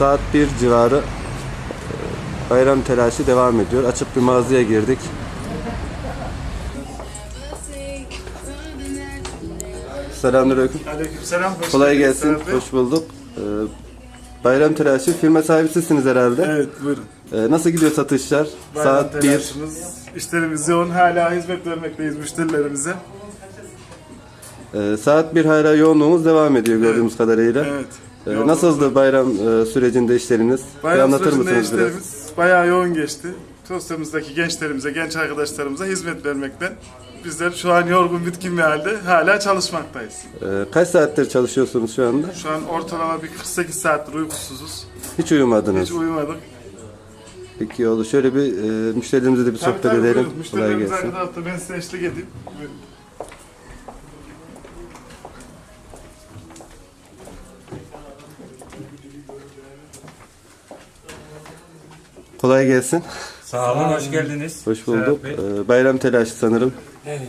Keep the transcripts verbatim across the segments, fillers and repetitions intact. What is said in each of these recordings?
saat bir civarı bayram telaşı devam ediyor. Açık bir mağazaya girdik. Selamünaleyküm. Aleykümselam. Hoş Kolay geldiniz gelsin. abi. Hoş bulduk. Ee, bayram telaşı firma sahibisiniz herhalde. Evet, buyurun. Ee, nasıl gidiyor satışlar? Bayram saat bir. telaşımız, işlerimiz yoğun. Hala hizmet vermekteyiz müşterilerimize. Ee, saat bir hala yoğunluğumuz devam ediyor gördüğümüz kadarıyla. Evet. Ee, Yoğunluğumuz nasıldı var. bayram e, sürecinde işleriniz? Bir Bayram anlatır sürecinde mısınız biraz? işlerimiz bayağı yoğun geçti. Sosyalimizdeki gençlerimize, genç arkadaşlarımıza hizmet vermekten bizler şu an yorgun, bitkin bir halde hala çalışmaktayız. Ee, kaç saattir çalışıyorsunuz şu anda? Şu an ortalama bir kırk sekiz saattir uykusuzuz. Hiç uyumadınız. Hiç uyumadık. Peki oldu. Şöyle bir e, müşterilerimize de bir Tabii sohbet tabii edelim. buyurun. Kolay Müşterilerimiz gelsin. arka tarafta, ben size eşlik edeyim. Buyurun. Kolay gelsin. Sağ olun, hoş geldiniz. Hoş bulduk. Serhat Bey. Ee, bayram telaşı sanırım. Evet.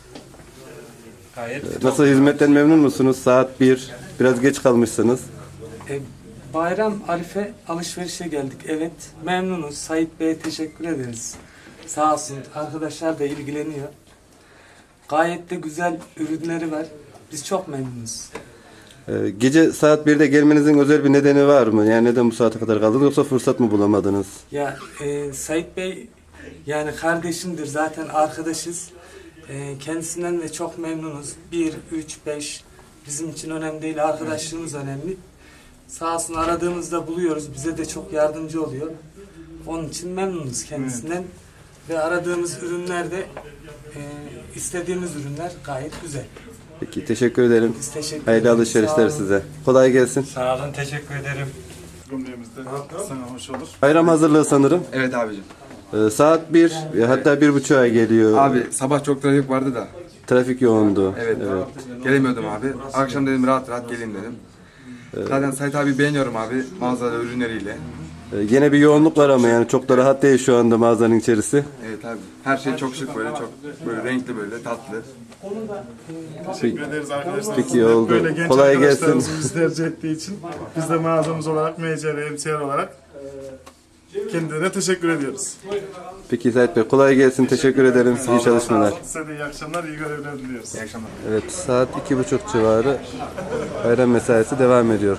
Gayet Nasıl, hizmetten memnun musunuz? Saat bir. Biraz geç kalmışsınız. E, Bayram Arife alışverişe geldik. Evet, memnunuz. Sait Bey'e teşekkür ederiz. Sağ olsun, arkadaşlar da ilgileniyor. Gayet de güzel ürünleri var. Biz çok memnunuz. Ee, gece saat birde gelmenizin özel bir nedeni var mı? Yani neden bu saate kadar kaldınız, yoksa fırsat mı bulamadınız? Ya e, Sait Bey yani kardeşimdir, zaten arkadaşız. E, kendisinden de çok memnunuz. Bir, üç, beş bizim için önemli değil, arkadaşlığımız önemli. Sağ olsun, aradığımızda buluyoruz. Bize de çok yardımcı oluyor. Onun için memnunuz kendisinden. Ve aradığımız ürünler de e, istediğimiz ürünler gayet güzel. Peki, teşekkür ederim. Biz teşekkür Hayırlı ederiz. alışverişler Sağ olun. size. Kolay gelsin. Sağ olun, teşekkür ederim. Cümlemizde sana hoş olur. Bayram hazırlığı sanırım. Evet abicim. Ee, saat bir, hatta bir buçuğa geliyor. Abi sabah çok trafik vardı da. Trafik yoğundu. Evet. Gelemiyordum abi. Akşam dedim rahat rahat geleyim dedim. Zaten Sait abi beğeniyorum abi mağazada ürünleriyle. Ee, Yine bir yoğunluk var ama yani çok da rahat değil şu anda mağazanın içerisi. Evet abi. Her şey çok şık böyle çok böyle renkli böyle tatlı. Teşekkür ederiz arkadaşlar. Peki, Sizin de oldu. Böyle genç Kolay gelsin. arkadaşlarımızın bizi tercih ettiği için biz de mağazamız olarak, M C R, M C R olarak kendilerine teşekkür ediyoruz. Peki Sait Bey, kolay gelsin. Teşekkür ederim. İyi çalışmalar. Size de iyi akşamlar, iyi görevler diliyoruz. İyi akşamlar. Evet, saat iki buçuk civarı bayram mesaisi devam ediyor.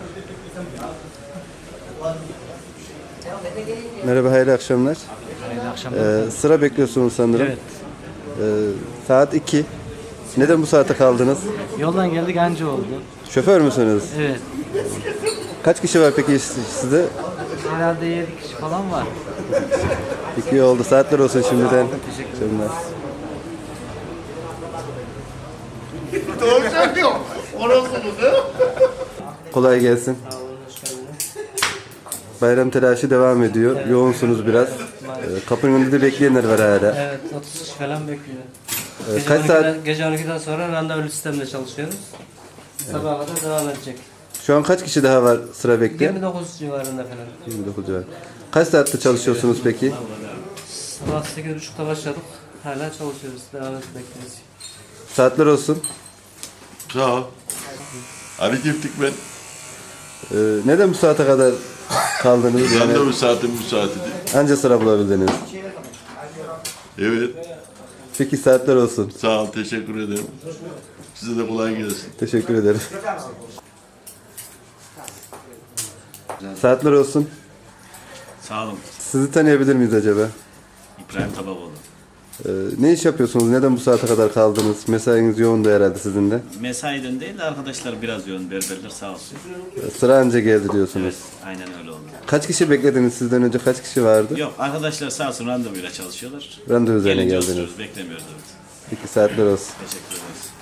Merhaba, hayırlı akşamlar. Hayırlı akşamlar. Ee, sıra bekliyorsunuz sanırım. Evet. Ee, saat iki. Neden bu saate kaldınız? Yoldan geldik anca oldu. Şoför müsünüz? Evet. Kaç kişi var peki sizde? Herhalde yedi kişi falan var. Peki, iyi oldu. Saatler olsun şimdiden. Teşekkürler. Kolay gelsin. Bayram telaşı devam ediyor. Yoğunsunuz biraz. Ee, kapının önünde de bekleyenler var hala. Evet, otuz kişi falan bekliyor. Ee, Gece kaç on ikiden saat? Gece on ikiden sonra randevu sistemde çalışıyoruz. Sabaha kadar devam edecek. Şu an kaç kişi daha var sıra bekleyen? yirmi dokuz civarında falan. yirmi dokuz civarı. Kaç saatte çalışıyorsunuz peki? Sabah sekiz buçukta başladık. Hala çalışıyoruz. Devam etmekteyiz. Saatler olsun. Sağ ol. Ali Giftik ben. Ee, neden bu saate kadar kaldınız? Yani Randevu saatim bu saatidir. anca sıra bulabildiniz. Evet. Peki, saatler olsun. Sağ ol. Teşekkür ederim. Size de kolay gelsin. Teşekkür ederim. Saatler olsun. Sağ olun. Sizi tanıyabilir miyiz acaba? İbrahim Tabakoğlu. Ee, ne iş yapıyorsunuz? Neden bu saate kadar kaldınız? Mesainiz yoğundu herhalde sizin de. Mesaiden değil de arkadaşlar biraz yoğun, berberler sağ olsun. Ee, Sıra anca geldi diyorsunuz. Evet, aynen öyle oldu. Kaç kişi beklediniz sizden önce? Kaç kişi vardı? Yok, arkadaşlar sağ olsun randevuyla çalışıyorlar. Randevu üzerine Gelince geldiniz. oturuyoruz, beklemiyoruz evet. Peki, saatler olsun. Teşekkür ederiz.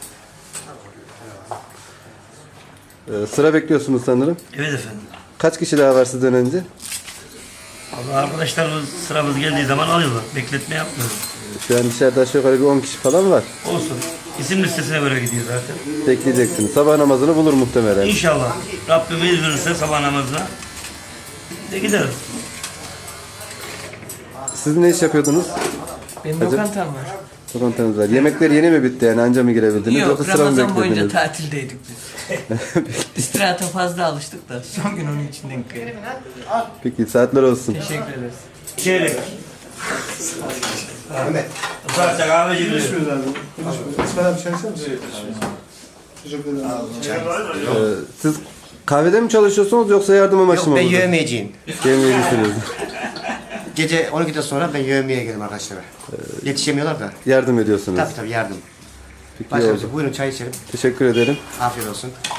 Ee, sıra bekliyorsunuz sanırım. Evet efendim. Kaç kişi daha var sizden önce? Allah arkadaşlarımız sıramız geldiği zaman alıyorlar. Bekletme yapmıyoruz. Şu an dışarıda aşağı yukarı bir on kişi falan var. Olsun. İsim listesine göre gidiyor zaten. Bekleyeceksiniz. Sabah namazını bulur muhtemelen. İnşallah Rabbim izin verirse sabah namazına de gideriz. Siz ne iş yapıyordunuz? Benim Hacı- lokantam var. Lokantanız var. Yemekler yeni mi bitti yani anca mı girebildiniz Yok, yoksa sıra mı Ramazan boyunca beklediniz? tatildeydik biz. İstirahata fazla alıştık da son gün onun için denk geldi. Peki saatler olsun. Teşekkür ederiz. Çeyrek. Ufakça kahve gidiyor. Ee, siz kahvede mi çalışıyorsunuz yoksa yardım amaçlı mı? Ben burada? yövmeyeceğim. Yemeği getiriyoruz. Gece on ikiden sonra ben yövmeye gelirim arkadaşlara. Yetişemiyorlar da. Yardım ediyorsunuz. Tabii tabii yardım. Peki, iyi Başka bir oldu. şey. Buyurun çay içelim. Teşekkür ederim. Afiyet olsun.